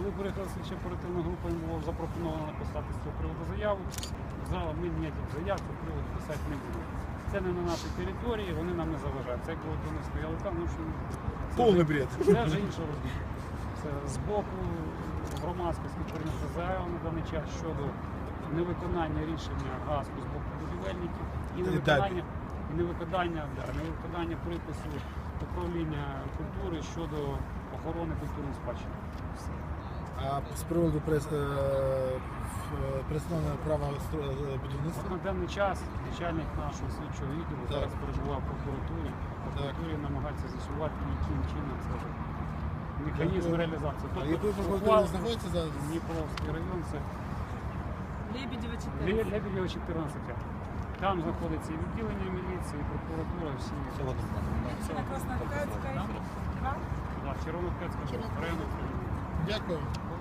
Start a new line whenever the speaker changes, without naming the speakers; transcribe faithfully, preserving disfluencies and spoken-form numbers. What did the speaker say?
Коли приїхала слідча оперативна група, їм було запропоновано написати з цього приводу заяву. Сказали, ми ніяких заяв цього приводу писати не будемо. Це не на нашій території, вони нам не заважають. Це як вони стояли там, ну що
Повний бред.
це вже інша розмова. Це з боку громадськості прийнято заяву на даний час щодо невиконання рішення ГАСКу з боку будівельників і невиконання, і невиконання, да, невиконання припису управління культури щодо охорони культурної спадщини.
А з приводу прес, е, представлення права будівництва?
На даний час начальник нашого слідчого відділу
Так.
зараз перебуває в прокуратурі. В прокуратурі намагається з'ясувати, яким чином це механізм
Дякую.
реалізації.
А якою прокуратурою знаходиться зараз?
Дніпровський район, це
Лебедєва чотири.
Ле- Лебедєва чотирнадцять. Там знаходиться і відділення міліції, і прокуратура, всі.
На Краснокутській.
Да, Червонокутська район.
Дякую.